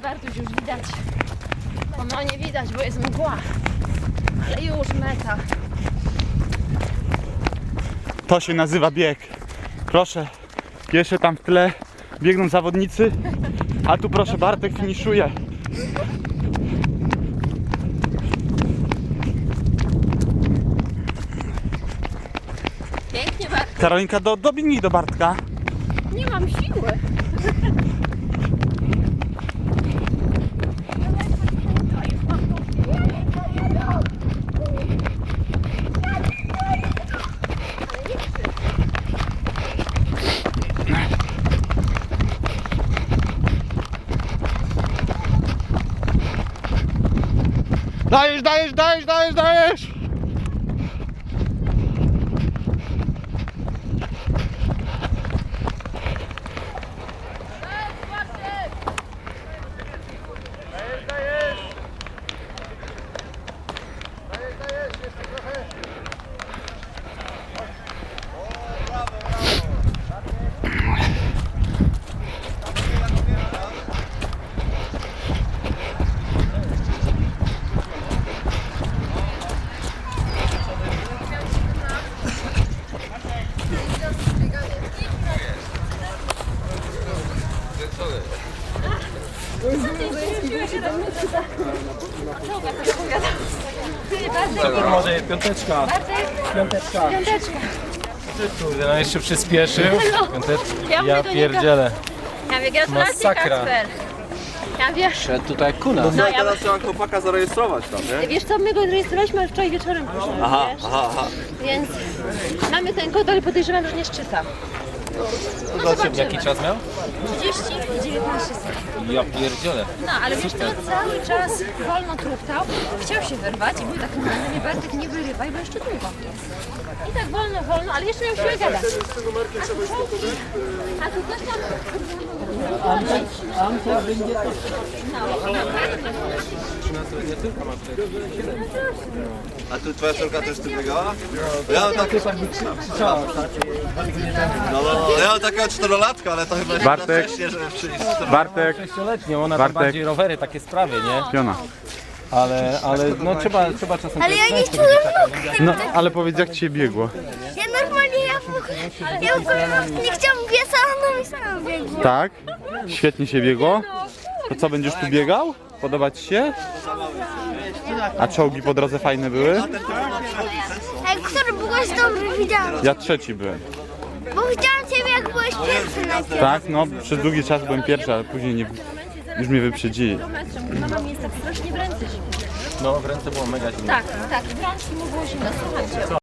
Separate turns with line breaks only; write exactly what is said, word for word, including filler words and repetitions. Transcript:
Bartuś, już widać. O, no nie widać, bo jest mgła. Ale już meta.
To się nazywa bieg. Proszę, jeszcze tam w tle biegną zawodnicy, a tu proszę Bartek finiszuje.
Pięknie, Bartuś.
Karolinka, do, dobiegnij do Bartka.
Nie mam siły.
Dajesz, dajesz, dajesz, dajesz, dajesz!
Może piąteczka. Piąteczka.
Piąteczka.
Kurde, no jeszcze przyspieszył. Piąteczka.
Ja
Ja
mówię do niego.
pierdzielę.
Ja mówię, gratulacje,
Masakra.
Kacper. Ja wiesz,
Szedł tutaj kuna.
no ja,
Teraz trzeba chłopaka zarejestrować tam, nie?
wiesz co, my go rejestrowaliśmy, ale wczoraj wieczorem poszło,
Aha,
wiesz?
aha, aha.
Więc mamy ten kod, ale podejrzewam, że nie szczyta. No zobaczymy.
Jaki czas miał?
trzydzieści i dziewiętnaście sekund.
Ja pierdzielę.
No, ale wiesz co, cały czas wolno truchtał, chciał się wyrwać i był taki na mnie, Bartek, nie wyrywaj, bo jeszcze długo. I tak wolno, wolno, ale jeszcze miał siłę gadać. A tu czołgi, a tu coś tam...
A tu twoja córka też tu biegała? Ja mam tak... No, no, no, ja mam takiego czterolatka, ale to chyba się
Bartek.
za wcześnie, żeby przyjść.
Bartek,
Sześcioletnią, ona
Bartek.
to bardziej rowery, takie sprawy, nie?
piona.
Ale, ale no trzeba, trzeba czasem...
Ale ja nie czułem nóg.
No, ale powiedz jak ci się biegło.
Ja normalnie, ja, ja w ogóle nie chciałam biec, a ona mi sama biegła.
Tak? Świetnie się biegło. To co, będziesz tu biegał? Podoba ci się? A czołgi po drodze fajne były?
Ej, który byłeś dobry, widziałam.
Ja trzeci byłem.
Bo widziałam ciebie, jak byłeś pierwszy najpierw.
Tak? No, przez długi czas byłem pierwszy, ale później nie, już mnie wyprzedzili.
Mama mi jest tak strasznie w ręce zimno.
No w ręce było mega zimno.
Tak, tak, w rączki mu było zimno, słuchajcie.